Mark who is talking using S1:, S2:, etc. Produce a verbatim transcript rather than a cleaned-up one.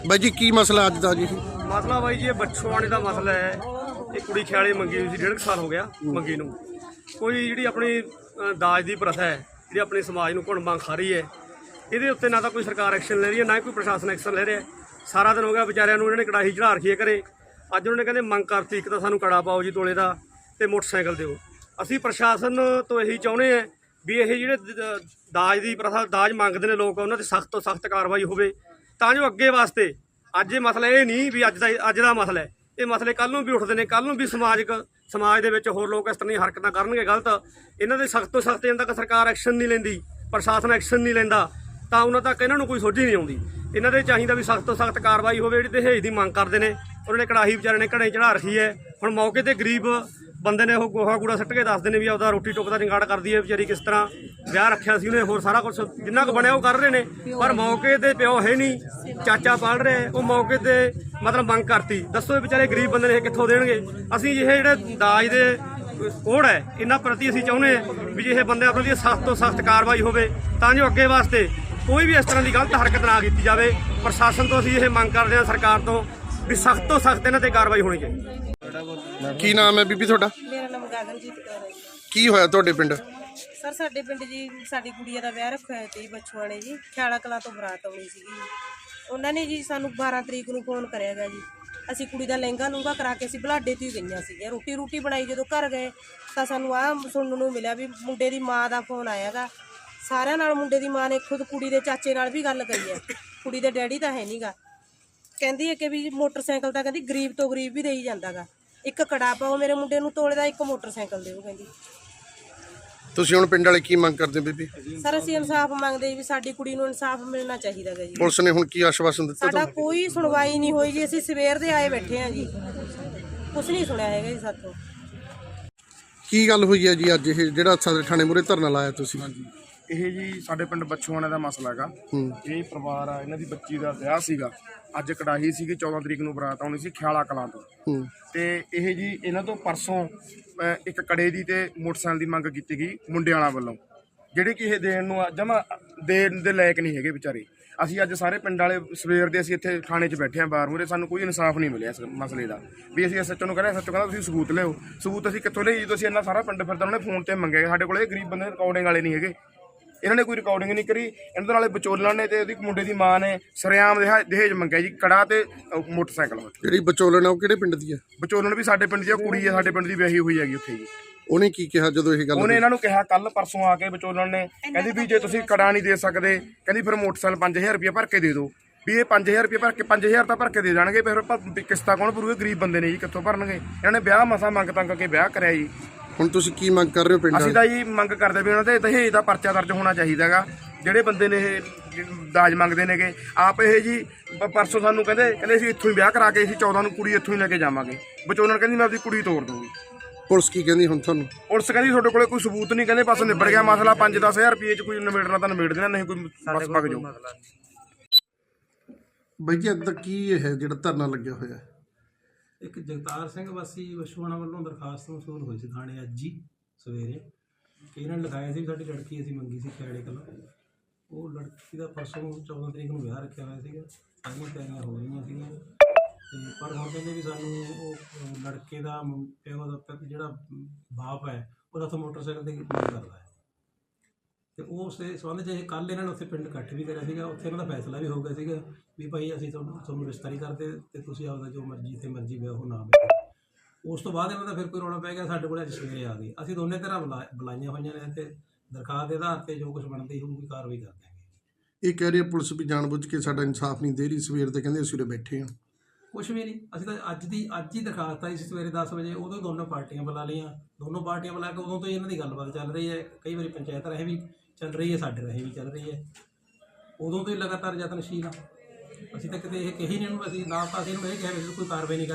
S1: ਬਾਈ ਜੀ ਕੀ ਮਸਲਾ ਅੱਜ ਦਾ ਜੀ?
S2: ਮਸਲਾ ਬਾਈ ਜੀ ਇਹ ਬੱਛੋਆਣੇ ਦਾ ਮਸਲਾ ਹੈ। ਇਹ ਕੁੜੀ ਖਿਆਲੇ ਮੰਗੀ ਹੋਈ ਸੀ, ਡੇਢ ਸਾਲ ਹੋ ਗਿਆ ਮੰਗੀ ਨੂੰ। ਕੋਈ ਜਿਹੜੀ ਆਪਣੀ ਦਾਜ ਦੀ ਪ੍ਰਥਾ ਹੈ ਜਿਹੜੀ ਆਪਣੇ ਸਮਾਜ ਨੂੰ ਘੁਣ ਖਾ ਰਹੀ ਹੈ, ਇਹਦੇ ਉੱਤੇ ਨਾ ਤਾਂ ਕੋਈ ਸਰਕਾਰ ਐਕਸ਼ਨ ਲੈ ਰਹੀ ਹੈ, ਨਾ ਕੋਈ ਪ੍ਰਸ਼ਾਸਨ ਐਕਸ਼ਨ ਲੈ ਰਿਹਾ। ਸਾਰਾ ਦਿਨ ਹੋ ਗਿਆ ਵਿਚਾਰਿਆਂ ਨੂੰ ਇਹਨਾਂ ਨੇ ਕੜਾਹੀ ਚੜ੍ਹਾ ਰੱਖੀ ਹੈ ਘਰੇ। ਅੱਜ ਉਹਨਾਂ ਨੇ ਕਹਿੰਦੇ ਮੰਗ ਕਰਤੀ, ਇੱਕ ਤਾਂ ਸਾਨੂੰ ਕੜਾ ਪਾਓ ਜੀ ਤੋਲੇ ਦਾ ਤੇ ਮੋਟਰਸਾਈਕਲ ਦਿਓ। ਅਸੀਂ ਪ੍ਰਸ਼ਾਸਨ ਤੋਂ ਇਹੀ ਚਾਹੁੰਦੇ ਹਾਂ ਵੀ ਇਹ ਜਿਹੜੇ ਦਾਜ ਦੀ ਪ੍ਰਥਾ ਦਾਜ ਮੰਗਦੇ ਨੇ ਲੋਕ, ਉਹਨਾਂ 'ਤੇ ਸਖਤ ਤੋਂ ਸਖਤ ਕਾਰਵਾਈ ਹੋਵੇ, ਤਾਂ ਜੋ ਅੱਗੇ ਵਾਸਤੇ ਅੱਜ ਇਹ ਮਸਲਾ ਇਹ ਨਹੀਂ ਵੀ ਅੱਜ ਦਾ ਅੱਜ ਦਾ ਮਸਲਾ ਹੈ, ਇਹ ਮਸਲੇ ਕੱਲ੍ਹ ਨੂੰ ਵੀ ਉੱਠਦੇ ਨੇ। ਕੱਲ੍ਹ ਨੂੰ ਵੀ ਸਮਾਜਿਕ ਸਮਾਜ ਦੇ ਵਿੱਚ ਹੋਰ ਲੋਕ ਇਸ ਤਰ੍ਹਾਂ ਦੀਆਂ ਹਰਕਤਾਂ ਕਰਨਗੇ ਗਲਤ, ਇਹਨਾਂ ਦੇ ਸਖਤ ਤੋਂ ਸਖਤ ਜਦੋਂ ਤੱਕ ਸਰਕਾਰ ਐਕਸ਼ਨ ਨਹੀਂ ਲੈਂਦੀ, ਪ੍ਰਸ਼ਾਸਨ ਐਕਸ਼ਨ ਨਹੀਂ ਲੈਂਦਾ, ਤਾਂ ਉਹਨਾਂ ਤੱਕ ਇਹਨਾਂ ਨੂੰ ਕੋਈ ਸੋਝੀ ਨਹੀਂ ਆਉਂਦੀ। ਇਹਨਾਂ ਦੇ ਚਾਹੀਦਾ ਵੀ ਸਖਤ ਤੋਂ ਸਖਤ ਕਾਰਵਾਈ ਹੋਵੇ। ਜਿਹੜੀ ਦਹੇਜ ਦੀ ਮੰਗ ਕਰਦੇ ਨੇ, ਉਹਨਾਂ ਨੇ ਕੜਾਹੀ ਵਿਚਾਰੇ ਨੇ ਘੜੇ ਚੜ੍ਹਾ ਰੱਖੀ ਹੈ। ਹੁਣ ਮੌਕੇ 'ਤੇ ਗਰੀਬ ਬੰਦੇ ਨੇ ਉਹ ਗੋਹਾ ਕੂੜਾ ਸੁੱਟ ਕੇ ਦੱਸਦੇ ਨੇ ਵੀ ਆਪਦਾ ਰੋਟੀ ਟੁੱਕ ਦਾ ਜੰਗਾੜ ਕਰਦੀ ਹੈ ਵਿਚਾਰੀ, ਕਿਸ ਤਰ੍ਹਾਂ ਵਿਆਹ ਰੱਖਿਆ ਸੀ ਉਹਨੇ, ਹੋਰ ਸਾਰਾ ਕੁਛ ਜਿੰਨਾ ਕੁ ਬਣਿਆ ਉਹ ਕਰ ਰਹੇ ਨੇ। ਪਰ ਮੌਕੇ 'ਤੇ ਪਿਓ ਹੈ ਨਹੀਂ, ਚਾਚਾ ਪਾਲ ਰਿਹਾ, ਉਹ ਮੌਕੇ 'ਤੇ ਮਤਲਬ ਮੰਗ ਕਰਤੀ। ਦੱਸੋ ਇਹ ਵਿਚਾਰੇ ਗਰੀਬ ਬੰਦੇ ਨੇ ਇਹ ਕਿੱਥੋਂ ਦੇਣਗੇ? ਅਸੀਂ ਇਹ ਜਿਹੜੇ ਦਾਜ ਦੇ ਕੋੜ ਹੈ ਇਹਨਾਂ ਪ੍ਰਤੀ ਅਸੀਂ ਚਾਹੁੰਦੇ ਹਾਂ ਵੀ ਜੇ ਇਹ ਬੰਦੇ ਪ੍ਰਤੀ ਸਖਤ ਤੋਂ ਸਖਤ ਕਾਰਵਾਈ ਹੋਵੇ, ਤਾਂ ਜੋ ਅੱਗੇ ਵਾਸਤੇ ਕੋਈ ਵੀ ਇਸ ਤਰ੍ਹਾਂ ਦੀ ਗਲਤ ਹਰਕਤ ਨਾ ਕੀਤੀ ਜਾਵੇ। ਪ੍ਰਸ਼ਾਸਨ ਤੋਂ ਅਸੀਂ ਇਹ ਮੰਗ ਕਰਦੇ ਹਾਂ, ਸਰਕਾਰ ਤੋਂ, ਵੀ ਸਖਤ ਤੋਂ ਸਖਤ ਇਹਨਾਂ ਤੇ ਕਾਰਵਾਈ ਹੋਣੀ ਚਾਹੀਦੀ।
S1: ਕੀ ਨਾਮ ਹੈ ਬੀਬੀ ਤੁਹਾਡਾ?
S3: ਮੇਰਾ ਨਾਮ ਗਗਨਜੀਤ ਕੌਰ ਹੈ ਜੀ।
S1: ਕੀ ਹੋਇਆ ਤੁਹਾਡੇ ਪਿੰਡ?
S3: ਸਰ ਸਾਡੇ ਪਿੰਡ ਜੀ ਸਾਡੀ ਕੁੜੀਆਂ ਦਾ ਵਿਆਹ ਰੱਖਿਆ ਹੋਇਆ ਸੀ ਬੱਛੋਆਣੇ ਜੀ। ਖਿਆਲਾ ਕਲਾਂ ਤੋਂ ਬਰਾਤ ਆਉਣੀ ਸੀਗੀ। ਉਹਨਾਂ ਨੇ ਜੀ ਸਾਨੂੰ ਬਾਰਾਂ ਤਰੀਕ ਨੂੰ ਫੋਨ ਕਰਿਆ ਗਾ ਜੀ। ਅਸੀਂ ਕੁੜੀ ਦਾ ਲਹਿੰਗਾ ਲੂੰਗਾ ਕਰਾ ਕੇ ਅਸੀਂ ਬੁਲਾਡੇ ਤੋਂ ਹੀ ਗਈਆਂ ਸੀਗੀਆਂ। ਰੋਟੀ ਰੋਟੀ ਬਣਾਈ, ਜਦੋਂ ਘਰ ਗਏ ਤਾਂ ਸਾਨੂੰ ਆਹ ਸੁਣਨ ਨੂੰ ਮਿਲਿਆ ਵੀ ਮੁੰਡੇ ਦੀ ਮਾਂ ਦਾ ਫੋਨ ਆਇਆ ਗਾ। ਸਾਰਿਆਂ ਨਾਲ ਮੁੰਡੇ ਦੀ ਮਾਂ ਨੇ ਖੁਦ ਕੁੜੀ ਦੇ ਚਾਚੇ ਨਾਲ ਵੀ ਗੱਲ ਕਰੀ ਹੈ। ਕੁੜੀ ਦੇ ਡੈਡੀ ਤਾਂ ਹੈ ਨਹੀਂ ਗਾ। ਕਹਿੰਦੀ ਹੈ ਕਿ ਵੀ ਮੋਟਰਸਾਈਕਲ ਤਾਂ ਕਹਿੰਦੀ ਗਰੀਬ ਤੋਂ ਗਰੀਬ ਵੀ ਦੇਈ ਜਾਂਦਾ ਗਾ। ਇੱਕ ਕੜਾ ਪਾਓ ਮੇਰੇ ਮੁੰਡੇ ਨੂੰ ਤੋਲੇ ਦਾ, ਇੱਕ ਮੋਟਰਸਾਈਕਲ ਦਿਓ ਕਹਿੰਦੀ।
S1: ਤੁਸੀਂ ਹੁਣ ਪਿੰਡ ਵਾਲੇ ਕੀ ਮੰਗ ਕਰਦੇ ਬੀਬੀ?
S3: ਸਰ ਅਸੀਂ ਇਨਸਾਫ ਮੰਗਦੇ ਵੀ ਸਾਡੀ ਕੁੜੀ ਨੂੰ ਇਨਸਾਫ ਮਿਲਣਾ ਚਾਹੀਦਾ ਗਾ ਜੀ।
S1: ਪੁਲਿਸ ਨੇ ਹੁਣ ਕੀ ਆਸ਼ਵਾਸਨ ਦਿੱਤਾ
S3: ਸਾਡਾ ਕੋਈ ਸੁਣਵਾਈ ਨਹੀਂ ਹੋਈ ਜੀ। ਅਸੀਂ ਸਵੇਰ ਦੇ ਆਏ ਬੈਠੇ ਹਾਂ ਜੀ, ਕੁਛ ਨਹੀਂ ਸੁਣਿਆ ਹੈਗਾ ਜੀ ਸਾਥੋਂ।
S1: ਕੀ ਗੱਲ ਹੋਈ ਹੈ ਜੀ ਅੱਜ ਇਹ ਜਿਹੜਾ ਸਦਰ ਥਾਣੇ ਮੂਹਰੇ ਧਰਨਾ ਲਾਇਆ ਤੁਸੀਂ?
S4: ਇਹ ਜੀ ਸਾਡੇ ਪਿੰਡ ਬੱਛੋਆਣੇ ਦਾ ਮਸਲਾ ਹੈਗਾ। ਇਹ ਪਰਿਵਾਰ ਆ, ਇਹਨਾਂ ਦੀ ਬੱਚੀ ਦਾ ਵਿਆਹ ਸੀਗਾ। ਅੱਜ ਕੜਾਹੀ ਸੀਗੀ, ਚੌਦਾਂ ਤਰੀਕ ਨੂੰ ਬਰਾਤ ਆਉਣੀ ਸੀ ਖਿਆਲਾ ਕਲਾਂ ਤੋਂ। ਤੇ ਇਹ ਜੀ ਇਹਨਾਂ ਤੋਂ ਪਰਸੋਂ ਇੱਕ ਕੜੇ ਦੀ ਤੇ ਮੋਟਰਸਾਈਕਲ ਦੀ ਮੰਗ ਕੀਤੀ ਗਈ ਮੁੰਡਿਆਂ ਵਾਲਾ ਵੱਲੋਂ, ਜਿਹੜੇ ਕਿ ਇਹ ਦੇਣ ਨੂੰ ਜਮਾ ਦੇਣ ਦੇ ਲਾਇਕ ਨਹੀਂ ਹੈਗੇ ਵਿਚਾਰੇ। ਅਸੀਂ ਅੱਜ ਸਾਰੇ ਪਿੰਡ ਵਾਲੇ ਸਵੇਰ ਦੇ ਅਸੀਂ ਇੱਥੇ ਥਾਣੇ 'ਚ ਬੈਠੇ ਹਾਂ ਬਾਹਰ ਮੂਹਰੇ। ਸਾਨੂੰ ਕੋਈ ਇਨਸਾਫ ਨਹੀਂ ਮਿਲਿਆ ਇਸ ਮਸਲੇ ਦਾ। ਵੀ ਅਸੀਂ ਐਸਐਚਓ ਨੂੰ ਕਹਿੰਦੇ, ਐਸਐਚਓ ਕਹਿੰਦਾ ਤੁਸੀਂ ਸਬੂਤ ਲਿਓ। ਸਬੂਤ ਅਸੀਂ ਕਿੱਥੋਂ ਲਈ? ਜਦੋਂ ਅਸੀਂ ਇੰਨਾ ਸਾਰਾ ਪਿੰਡ ਫਿਰਦਾ, ਉਹਨੇ ਫੋਨ ਤੇ ਮੰਗਿਆ। ਸਾਡੇ ਕੋਲ ਇਹ ਗਰੀਬ ਬੰਦੇ ਰਿਕਾਰਡਿੰਗ ਵਾਲੇ ਨਹੀਂ ਹੈਗੇ, ਇਹਨਾਂ ਨੇ ਕੋਈ ਰਿਕਾਰਡਿੰਗ ਨਹੀਂ ਕਰੀ। ਇਹਨਾਂ ਦੇ ਨਾਲੇ ਵਿਚੋਲਣ ਨੇ ਤੇ ਉਹਦੀ ਮੁੰਡੇ ਦੀ ਮਾਂ ਨੇ ਸਰਿਆਮ ਦਹੇਜ ਮੰਗਿਆ ਜੀ, ਕੜਾ ਤੇ ਮੋਟਰਸਾਈਕਲ।
S1: ਜਿਹੜੀ ਵਿਚੋਲਣ ਆ ਉਹ ਕਿਹੜੇ ਪਿੰਡ ਦੀ ਹੈ?
S4: ਵਿਚੋਲਣ ਵੀ ਸਾਡੇ ਪਿੰਡ ਦੀ ਆ, ਕੁੜੀ ਆ ਸਾਡੇ ਪਿੰਡ ਦੀ ਵਿਆਹੀ ਹੋਈ ਹੈਗੀ ਉੱਥੇ ਜੀ।
S1: ਉਹਨੇ ਕੀ ਕਿਹਾ ਜਦੋਂ ਇਹ ਗੱਲ?
S4: ਉਹਨੇ ਇਹਨਾਂ ਨੂੰ ਕਿਹਾ ਕੱਲ ਪਰਸੋਂ ਆ ਕੇ ਵਿਚੋਲਣ ਨੇ, ਕਹਿੰਦੀ ਵੀ ਜੇ ਤੁਸੀਂ ਕੜਾ ਨਹੀਂ ਦੇ ਸਕਦੇ, ਕਹਿੰਦੀ ਫਿਰ ਮੋਟਰਸਾਈਕਲ ਪੰਜ ਹਜ਼ਾਰ ਰੁਪਇਆ ਭਰ ਕੇ ਦੇ ਦਿਓ। ਵੀ ਇਹ ਪੰਜ ਹਜ਼ਾਰ ਰੁਪਇਆ ਭਰ ਕੇ ਪੰਜ ਹਜ਼ਾਰ ਤਾਂ ਭਰ ਕੇ ਦੇ ਦੇਣਗੇ, ਫਿਰ ਕਿਸ਼ਤਾਂ ਕੌਣ ਭਰੂਗੇ? ਗਰੀਬ ਬੰਦੇ ਨੇ ਜੀ, ਕਿੱਥੋਂ ਭਰਨਗੇ? ਇਹਨਾਂ ਨੇ ਵਿਆਹ ਮਸਾਂ ਮੰਗ ਤੰਗ ਕੇ ਵਿਆਹ ਕਰਿਆ ਜੀ।
S1: ਹੁਣ ਤੁਸੀਂ ਕੀ ਮੰਗ ਕਰ ਰਹੇ ਹੋ ਪਿੰਡ?
S4: ਅਸੀਂ ਤਾਂ ਜੀ ਮੰਗ ਕਰਦੇ ਵੀ ਉਹਨਾਂ ਦੇ ਦਹੇਜ ਦਾ ਪਰਚਾ ਦਰਜ ਹੋਣਾ ਚਾਹੀਦਾ ਹੈਗਾ। ਜਿਹੜੇ ਬੰਦੇ ਨੇ ਇਹ ਦਾਜ ਮੰਗਦੇ ਨੇਗੇ ਆਪ, ਇਹ ਜੀ ਪਰਸੋਂ ਸਾਨੂੰ ਕਹਿੰਦੇ ਕਹਿੰਦੇ ਅਸੀਂ ਇੱਥੋਂ ਹੀ ਵਿਆਹ ਕਰਾ ਕੇ ਅਸੀਂ ਚੌਦਾਂ ਨੂੰ ਕੁੜੀ ਇੱਥੋਂ ਹੀ ਲੈ ਕੇ ਜਾਵਾਂਗੇ। ਵਿਚੋਲਣ ਕਹਿੰਦੀ ਮੈਂ ਆਪਣੀ ਕੁੜੀ ਤੋੜ ਦੂੰਗੀ।
S1: ਪੁਲਿਸ ਕੀ ਕਹਿੰਦੀ ਹੁਣ ਤੁਹਾਨੂੰ? ਪੁਲਿਸ
S4: ਕਹਿੰਦੀ ਤੁਹਾਡੇ ਕੋਲੇ ਕੋਈ ਸਬੂਤ ਨਹੀਂ, ਕਹਿੰਦੇ ਬਸ ਨਿਬੜ ਗਿਆ ਮਸਲਾ। ਪੰਜ ਦਸ ਹਜ਼ਾਰ ਰੁਪਏ 'ਚ ਕੋਈ ਨਿਬੇੜਨਾ ਤਾਂ ਨਿਬੇੜ ਦੇਣਾ, ਨਹੀਂ ਕੋਈ ਬਸ ਵਗ ਜਾਓ।
S1: ਬਾਈ ਜੀ ਅੱਜ ਕੀ ਇਹ ਹੈ ਜਿਹੜਾ ਧਰਨਾ ਲੱਗਿਆ ਹੋਇਆ?
S5: ਇੱਕ ਜਗਤਾਰ ਸਿੰਘ ਵਾਸੀ ਬੱਛੋਆਣਾ ਵੱਲੋਂ ਦਰਖਾਸਤ ਮਸੂਲ ਹੋਈ ਸੀ ਥਾਣੇ ਅੱਜ ਹੀ ਸਵੇਰੇ, ਕਿ ਇਹਨਾਂ ਨੇ ਲਿਖਾਇਆ ਸੀ ਸਾਡੀ ਲੜਕੀ ਅਸੀਂ ਮੰਗੀ ਸੀ ਖਿਆਲੇ ਕਲਾਂ। ਉਹ ਲੜਕੀ ਦਾ ਪਰਸੋਂ ਚੌਦਾਂ ਤਰੀਕ ਨੂੰ ਵਿਆਹ ਰੱਖਿਆ ਹੋਇਆ ਸੀਗਾ, ਸਾਰੀਆਂ ਤਿਆਰੀਆਂ ਹੋ ਰਹੀਆਂ ਸੀਗੀਆਂ। ਅਤੇ ਪਰ ਹੁਣ ਕਹਿੰਦੇ ਵੀ ਸਾਨੂੰ ਉਹ ਲੜਕੇ ਦਾ ਪਿਓ ਦਾ ਜਿਹੜਾ ਬਾਪ ਹੈ ਉਹਦਾ ਉੱਥੇ ਮੋਟਰਸਾਈਕਲ 'ਤੇ ਮੰਗ ਕਰਦਾ ਹੈ। ਅਤੇ ਉਸ ਦੇ ਸੰਬੰਧ 'ਚ ਇਹ ਕੱਲ੍ਹ ਇਹਨਾਂ ਨੇ ਉੱਥੇ ਪਿੰਡ ਇਕੱਠ ਵੀ ਕਰਿਆ ਸੀਗਾ। ਉੱਥੇ ਇਹਨਾਂ ਦਾ ਫੈਸਲਾ ਵੀ ਹੋ ਗਿਆ ਸੀਗਾ ਵੀ ਭਾਈ ਅਸੀਂ ਤੁਹਾਨੂੰ ਤੁਹਾਨੂੰ ਰਿਸ਼ਤਾ ਨਹੀਂ ਕਰਦੇ ਅਤੇ ਤੁਸੀਂ ਆਪਦਾ ਜੋ ਮਰਜ਼ੀ ਜਿੱਥੇ ਮਰਜ਼ੀ ਵਿਆਹ ਉਹ ਨਾ ਵਿਆਹੋ। ਉਸ ਤੋਂ ਬਾਅਦ ਇਹਨਾਂ ਦਾ ਫਿਰ ਕੋਈ ਰੌਲਾ ਪੈ ਗਿਆ, ਸਾਡੇ ਕੋਲ ਅੱਜ ਸਵੇਰੇ ਆ ਗਏ। ਅਸੀਂ ਦੋਨੇ ਤਰ੍ਹਾਂ ਬੁਲਾ ਬੁਲਾਈਆਂ ਹੋਈਆਂ ਨੇ ਅਤੇ ਦਰਖਾਸਤ ਦੇ ਆਧਾਰ 'ਤੇ ਜੋ ਕੁਛ ਬਣਦੀ ਹੋਊਗੀ ਕਾਰਵਾਈ ਕਰ ਦਿਆਂਗੇ।
S1: ਇਹ ਕਹਿ ਰਹੀ ਹੈ ਪੁਲਿਸ ਵੀ ਜਾਣਬੁੱਝ ਕੇ ਸਾਡਾ ਇਨਸਾਫ ਨਹੀਂ ਦੇ ਰਹੀ। ਸਵੇਰ ਦੇ ਕਹਿੰਦੇ ਅਸੀਂ ਉਰੇ ਬੈਠੇ ਹਾਂ,
S5: ਕੁਛ ਵੀ ਨਹੀਂ। ਅਸੀਂ ਤਾਂ ਅੱਜ ਦੀ ਅੱਜ ਹੀ ਦਰਖਾਸਤ ਆਈ ਸੀ ਸਵੇਰੇ ਦਸ ਵਜੇ, ਉਦੋਂ ਦੋਨੋਂ ਪਾਰਟੀਆਂ ਬੁਲਾ ਲਈਆਂ। ਦੋਨੋਂ ਪਾਰਟੀਆਂ ਬੁਲਾ ਕੇ ਉਦੋਂ ਤੋਂ ਹੀ ਇਹਨਾਂ ਦੀ ਗੱਲਬਾਤ ਚੱਲ ਰਹੀ ਹੈ। ਕਈ ਵਾਰੀ ਪੰਚਾਇਤ ਰਾਹੀਂ ਵੀ ਚੱਲ ਰਹੀ ਹੈ, ਸਾਡੇ ਰਾਹੀਂ ਵੀ ਚੱਲ ਰਹੀ ਹੈ। ਉਦੋਂ ਤੋਂ ਹੀ ਲਗਾਤਾਰ ਯਤਨਸ਼ੀਲ ਆ। ਅਸੀਂ ਤਾਂ ਕਿਤੇ ਇਹ ਕਹੀ ਨਹੀਂ ਇਹਨੂੰ, ਅਸੀਂ ਨਾ ਤਾਂ ਅਸੀਂ ਇਹਨੂੰ ਇਹ ਕਿਹਾ ਵੀ ਕੋਈ ਕਾਰਵਾਈ ਨਹੀਂ